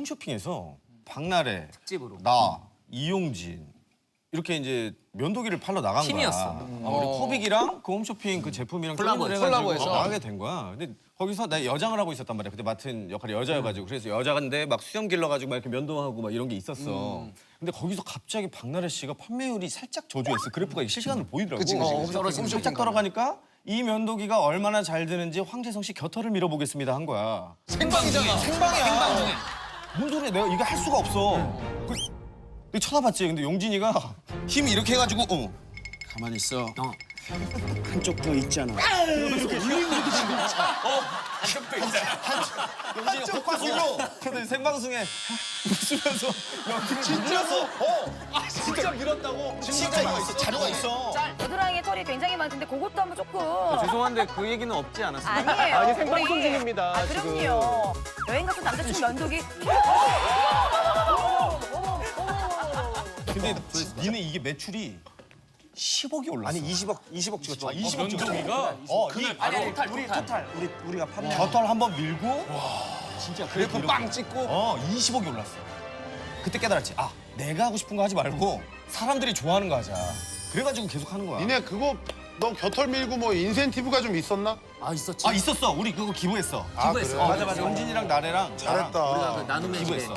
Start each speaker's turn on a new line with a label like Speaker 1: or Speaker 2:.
Speaker 1: 홈쇼핑에서 박나래,
Speaker 2: 특집으로.
Speaker 1: 나, 이용진 이렇게 이제 면도기를 팔러 나간
Speaker 2: 팀이었어.
Speaker 1: 거야. 우리 코빅이랑 그 홈쇼핑 그 제품이랑 콜라보해가지고 나가게 된 거야. 근데 거기서 나 여장을 하고 있었단 말이야. 그때 맡은 역할이 여자여가지고 그래서 여자인데 막 수염 길러가지고 막 이렇게 면도하고 막 이런 게 있었어. 근데 거기서 갑자기 박나래 씨가 판매율이 살짝 저조했어. 그래프가 실시간으로 보이더라고. 살짝 떨어가니까 이 면도기가 얼마나 잘 되는지 황재성 씨 겨털을 밀어보겠습니다 한 거야.
Speaker 2: 생방이잖아.
Speaker 1: 생방이야.
Speaker 2: 생방 중에.
Speaker 1: 뭔 소리야? 내가 이거 할 수가 없어. 그 쳐다봤지. 근데 용진이가 힘이 이렇게 해가지고
Speaker 3: 가만히 있어. 한쪽 더 있잖아.
Speaker 1: 용진이가 폭파술로 근데 생방송에 웃으면서 연기를 진짜서 진짜 밀었다고. 진짜 있어. 자료가 있어.
Speaker 4: 겨드랑이에 털이 굉장히 많던데 그것도 한번 조금.
Speaker 5: 죄송한데 그 얘기는 없지 않았어요?
Speaker 4: 아니에요.
Speaker 5: 아니 생방송
Speaker 4: 우리-
Speaker 5: 중입니다.
Speaker 4: 아,
Speaker 5: 지금.
Speaker 4: 그럼요. 여행 갔던 남자친구 면도기.
Speaker 1: 근데 니네 이게 매출이 10억이 올랐어.
Speaker 3: 아니 20억 찍었죠.
Speaker 1: 20억 찍었어.
Speaker 2: 아니 토탈.
Speaker 3: 우리가 판매.
Speaker 1: 겨털 한 번 밀고
Speaker 3: 진짜 그래프 빵 찍고.
Speaker 1: 20억이 올랐어. 그때 깨달았지. 아, 내가 하고 싶은 거 하지 말고 사람들이 좋아하는 거 하자. 그래가지고 계속 하는 거야.
Speaker 6: 니네 그거 너 겨털 밀고 뭐 인센티브가 좀 있었나?
Speaker 2: 아 있었지.
Speaker 1: 아, 있었어. 우리 그거 기부했어.
Speaker 2: 기부했어.
Speaker 6: 그래?
Speaker 1: 맞아. 용진이랑 나래랑
Speaker 6: 잘했다.
Speaker 2: 우리가 그 나눔의 집에.
Speaker 1: 기부했어.